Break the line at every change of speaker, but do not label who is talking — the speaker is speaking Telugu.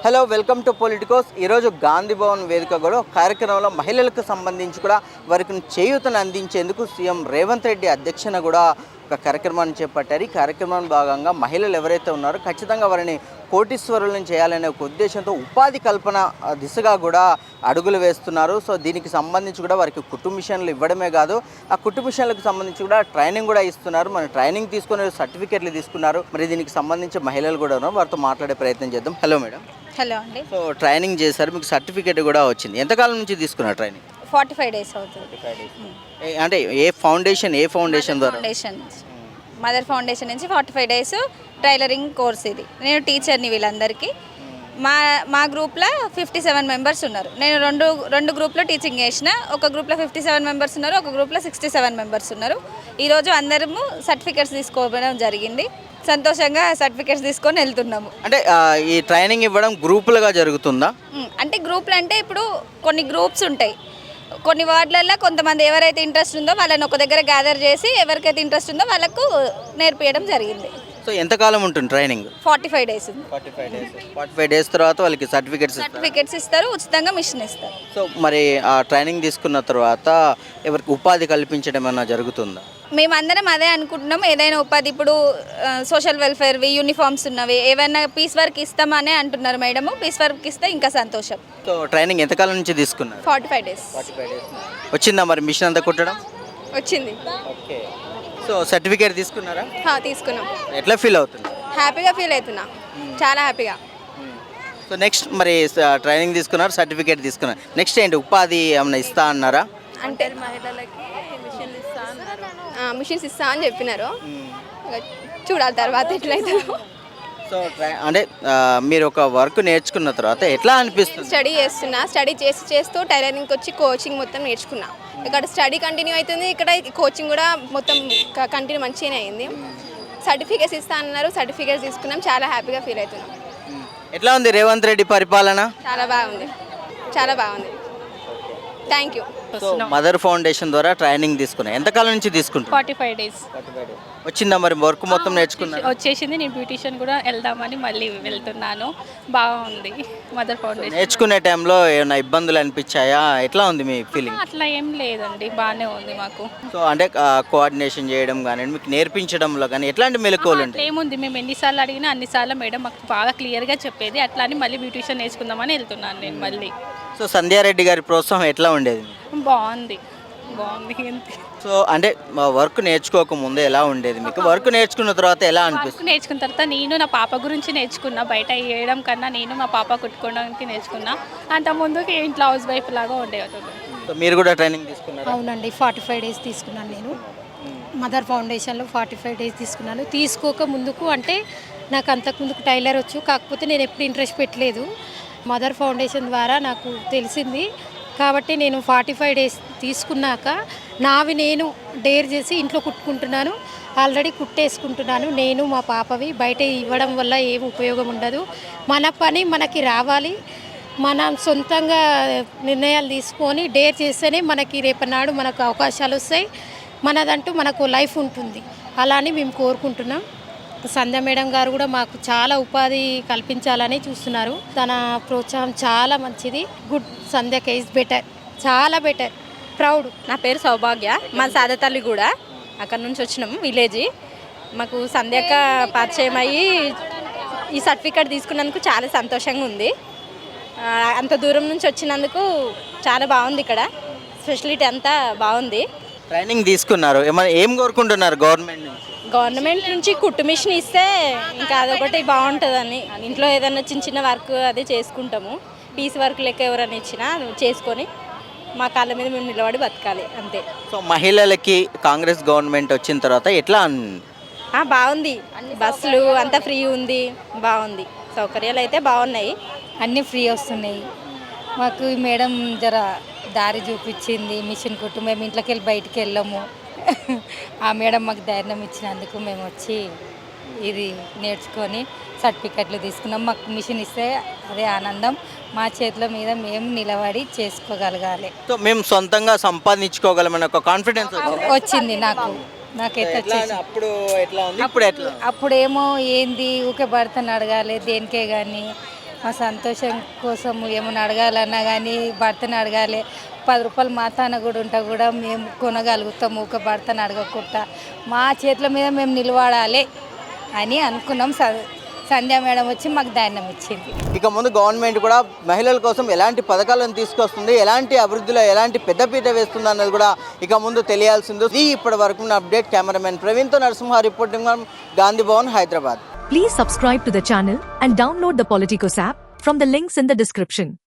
Hello, welcome to Politicos. ఈరోజు గాంధీ భవన్ వేదిక కూడా కార్యక్రమంలో మహిళలకు సంబంధించి కూడా వారికి చేయూతను అందించేందుకు సీఎం రేవంత్ రెడ్డి అధ్యక్షన కూడా ఒక కార్యక్రమాన్ని చేపట్టారు. ఈ కార్యక్రమంలో భాగంగా మహిళలు ఎవరైతే ఉన్నారో ఖచ్చితంగా వారిని కోటీశ్వరులను చేయాలనే ఒక ఉద్దేశంతో ఉపాధి కల్పన దిశగా కూడా అడుగులు వేస్తున్నారు. సో దీనికి సంబంధించి కూడా వారికి కుట్టు మిషన్లు ఇవ్వడమే కాదు, ఆ కుట్టు మిషన్లకు సంబంధించి కూడా ట్రైనింగ్ కూడా ఇస్తున్నారు. మన ట్రైనింగ్ తీసుకునే సర్టిఫికెట్లు తీసుకున్నారు. మరి దీనికి సంబంధించి మహిళలు కూడా ఉన్నారు, వారితో మాట్లాడే ప్రయత్నం చేద్దాం. Hello madam.
హలో అండి.
సో ట్రైనింగ్ చేశారు, మీకు సర్టిఫికేట్ కూడా వచ్చింది. ఎంతకాలం నుంచి తీసుకున్నారు ట్రైనింగ్?
45 డేస్ అవుతుంది.
అంటే ఏ ఫౌండేషన్ ద్వారా?
ఫౌండేషన్ మదర్ ఫౌండేషన్ నుంచి 45 డేస్ టైలరింగ్ కోర్స్ ఇది. నేను టీచర్ని వీళ్ళందరికీ. మా గ్రూప్లో 57 మెంబర్స్ ఉన్నారు. నేను రెండు గ్రూప్లో టీచింగ్ చేసిన. ఒక గ్రూప్లో 57 మెంబర్స్ ఉన్నారు, ఒక గ్రూప్లో 67 మెంబర్స్ ఉన్నారు. ఈరోజు అందరము సర్టిఫికేట్స్ తీసుకోవడం జరిగింది. సంతోషంగా సర్టిఫికేట్స్ తీసుకొని వెళ్తున్నాము.
అంటే ఈ ట్రైనింగ్ ఇవ్వడం గ్రూపులుగా జరుగుతుందా?
అంటే గ్రూపులు అంటే ఇప్పుడు కొన్ని గ్రూప్స్ ఉంటాయి. కొన్ని వార్డులలో కొంతమంది ఎవరైతే ఇంట్రెస్ట్ ఉందో వాళ్ళని ఒక దగ్గర గ్యాదర్ చేసి ఎవరికైతే ఇంట్రెస్ట్ ఉందో వాళ్ళకు నేర్పించడం జరిగింది.
సో ఎంతకాలం ఉంటుంది ట్రైనింగ్?
45 డేస్.
45 డేస్ తర్వాత వాళ్ళకి సర్టిఫికేట్స్
ఇస్తారు, ఉచితంగా మిషన్ ఇస్తారు.
సో మరి ఆ ట్రైనింగ్ తీసుకున్న తర్వాత ఎవరికి ఉపాధి కల్పించడం ఏమైనా జరుగుతుందా?
మేమందరం అదే అనుకుంటున్నాం. ఏదైనా ఉపాధి, ఇప్పుడు సోషల్ వెల్ఫేర్వి యూనిఫామ్స్ ఉన్నవి ఏవైనా పీస్ వర్క్ ఇస్తామనే అంటున్నారు మేడము. పీస్ వర్క్ ఇస్తే ఇంకా సంతోషం.
సో ట్రైనింగ్ ఎంతకాలం నుంచి తీసుకున్నారు?
45 డేస్.
వచ్చిందా మరి మిషన్ అంతా కుట్టడం?
వచ్చింది.
ఓకే. సో సర్టిఫికేట్ తీసుకున్నారా?
తీసుకున్నాం.
ఎట్లా ఫీల్ అవుతుంది?
హ్యాపీగా ఫీల్ అవుతున్నా, చాలా హ్యాపీగా.
సో నెక్స్ట్ మరి ట్రైనింగ్ తీసుకున్నారు, సర్టిఫికేట్ తీసుకున్నారు, నెక్స్ట్ ఏంటి ఉపాధి ఏమైనా ఇస్తా అన్నారా?
అంటే మహిళలకి మిషన్స్ ఇస్తా అని చెప్పినారు. చూడాలి తర్వాత ఎట్లయితుందో.
సో అంటే మీరు ఒక వర్క్ నేర్చుకున్న తర్వాత ఎట్లా అనిపిస్తుంది?
స్టడీ చేస్తున్నా, స్టడీ చేస్తూ టైలరింగ్కి వచ్చి కోచింగ్ మొత్తం నేర్చుకున్నా. ఇక్కడ స్టడీ కంటిన్యూ అవుతుంది, ఇక్కడ కోచింగ్ కూడా మొత్తం కంటిన్యూ మంచిగానే అయింది. సర్టిఫికేట్స్ ఇస్తా అన్నారు, సర్టిఫికేట్స్ తీసుకున్నాం. చాలా హ్యాపీగా ఫీల్ అవుతున్నాం.
ఎట్లా ఉంది రేవంత్ రెడ్డి పరిపాలన?
చాలా బాగుంది, చాలా బాగుంది. Thank you.
So mother foundation ద్వారా ట్రైనింగ్ తీసుకున్నా, ఎంతకాలం నుంచి తీసుకుంటా?
45 డేస్.
వచ్చిందా మరి వర్క్ మొత్తం నేర్చుకున్నా?
వచ్చేసింది. నేను బ్యూటిషియన్ కూడా వెళ్దామని మళ్ళీ వెళ్తున్నాను. బాగుంది మదర్ ఫౌండేషన్.
నేర్చుకునే టైంలో ఏమైనా ఇబ్బందులు అనిపించాయా? ఎట్లా ఉంది మీ ఫీలింగ్?
అట్లా ఏం లేదండి, బాగానే ఉంది మాకు.
సో అంటే కోఆర్డినేషన్ చేయడం కానీ మీకు నేర్పించడంలో కానీ ఎట్లాంటి మెలకువలు ఉంటాయి?
ఏముంది, మేము ఎన్నిసార్లు అడిగినా అన్నిసార్లు మేడం మాకు బాగా క్లియర్గా చెప్పేది. అట్లా అని మళ్ళీ బ్యూటిషియన్ నేర్చుకుందామని వెళ్తున్నాను నేను మళ్ళీ.
సో సంధ్యారెడ్డి గారి ప్రోత్సాహం ఎట్లా ఉండేది?
బాగుంది.
సో అంటే వర్క్ నేర్చుకోక ముందే ఎలా ఉండేది మీకు? వర్క్ నేర్చుకున్న తర్వాత ఎలా అనిపిస్తుంది?
నేర్చుకున్న తర్వాత నేను నా పాప గురించి నేర్చుకున్నా. బయట వేయడం కన్నా నేను మా పాప కుట్టుకోవడానికి నేర్చుకున్నా. అంత ముందుకి ఇంట్లో హౌస్ వైఫ్ లాగా ఉండేవాళ్ళు.
సో మీరు కూడా ట్రైనింగ్ తీసుకున్నారు?
అవునండి, 45 డేస్ తీసుకున్నాను నేను. మదర్ ఫౌండేషన్లో 45 డేస్ తీసుకున్నాను. తీసుకోక ముందుకు అంటే నాకు అంతకుముందుకు టైలర్ వచ్చు, కాకపోతే నేను ఎప్పుడు ఇంట్రెస్ట్ పెట్టలేదు. మదర్ ఫౌండేషన్ ద్వారా నాకు తెలిసింది కాబట్టి నేను 45 డేస్ తీసుకున్నాక నావి నేను డేర్ చేసి ఇంట్లో కుట్టుకుంటున్నాను. ఆల్రెడీ కుట్టేసుకుంటున్నాను. నేను మా పాపవి బయట ఇవ్వడం వల్ల ఏం ఉపయోగం ఉండదు. మన పని మనకి రావాలి. మనం సొంతంగా నిర్ణయాలు తీసుకొని డేర్ చేస్తేనే మనకి రేపనాడు మనకు అవకాశాలు వస్తాయి. మనదంటూ మనకు లైఫ్ ఉంటుంది. అలా అని మేము కోరుకుంటున్నాం. సంధ్య మేడం గారు కూడా మాకు చాలా ఉపాధి కల్పించాలని చూస్తున్నారు. తన ప్రోత్సాహం చాలా మంచిది. గుడ్. సంధ్యక ఈజ్ బెటర్, చాలా బెటర్, ప్రౌడ్.
నా పేరు సౌభాగ్య, మా సాదతల్లి కూడా అక్కడ నుంచి వచ్చినాము విలేజ్. మాకు సంధ్యక పరిచయం అయ్యి ఈ సర్టిఫికేట్ తీసుకున్నందుకు చాలా సంతోషంగా ఉంది. అంత దూరం నుంచి వచ్చినందుకు చాలా బాగుంది. ఇక్కడ ఫెసిలిటీ అంతా బాగుంది.
ట్రైనింగ్ తీసుకున్నారు, ఏం కోరుకుంటున్నారు
గవర్నమెంట్ నుంచి కుట్టు మిషన్ ఇస్తే ఇంకా అదొకటి బాగుంటుందని. ఇంట్లో ఏదైనా చిన్న చిన్న వర్క్ అదే చేసుకుంటాము. పీస్ వర్క్ లెక్క ఎవరైనా ఇచ్చినా చేసుకొని మా కాళ్ళ మీద మేము నిలబడి బతకాలి అంతే.
సో మహిళలకి కాంగ్రెస్ గవర్నమెంట్ వచ్చిన తర్వాత ఎట్లా?
బాగుంది. బస్సులు అంతా ఫ్రీ ఉంది, బాగుంది. సౌకర్యాలు అయితే బాగున్నాయి,
అన్నీ ఫ్రీ వస్తున్నాయి. మాకు మేడం జర దారి చూపించింది. మిషన్ కుట్టు మేము ఇంట్లోకి వెళ్ళి బయటికి వెళ్ళాము. ఆ మేడం మాకు ధైర్యం ఇచ్చినందుకు మేము వచ్చి ఇది నేర్చుకొని సర్టిఫికెట్లు తీసుకున్నాం. మాకు మిషన్ ఇస్తే అదే ఆనందం. మా చేతుల మీద మేము నిలబడి చేసుకోగలగాలి.
సో మేము సొంతంగా సంపాదించుకోగలమని ఒక కాన్ఫిడెన్స్
వచ్చింది నాకైతే వచ్చేసి.
అప్పుడు ఎట్లా ఉంది, ఇప్పుడు ఎట్లా?
అప్పుడేమో ఏంది ఊకే భర్తను అడగాలి దేనికే కానీ
మా సంతోషం కోసం ఏమైనా అడగాలన్నా కానీ భర్తను అడగాలి. 10 రూపాయలు మా తాన కూడా ఉంటా కూడా మేము కొనగలుగుతాము. ఒక భర్తను అడగకుండా మా చేతుల మీద మేము నిలబడాలి అని అనుకున్నాం. సంధ్యా మేడం వచ్చి మాకు ధైర్యం ఇచ్చింది.
ఇక ముందు గవర్నమెంట్ కూడా మహిళల కోసం ఎలాంటి పథకాలను తీసుకొస్తుంది, ఎలాంటి అభివృద్ధిలో ఎలాంటి పెద్దపీట వేస్తుంది అన్నది కూడా ఇక ముందు తెలియాల్సింది. ఇది ఇప్పటి వరకు అప్డేట్. కెమెరామెన్ ప్రవీణ్తో Narasimha reporting Gandhi Bhavan, Hyderabad.
Please subscribe to the channel and download the Politicos app from the links in the description.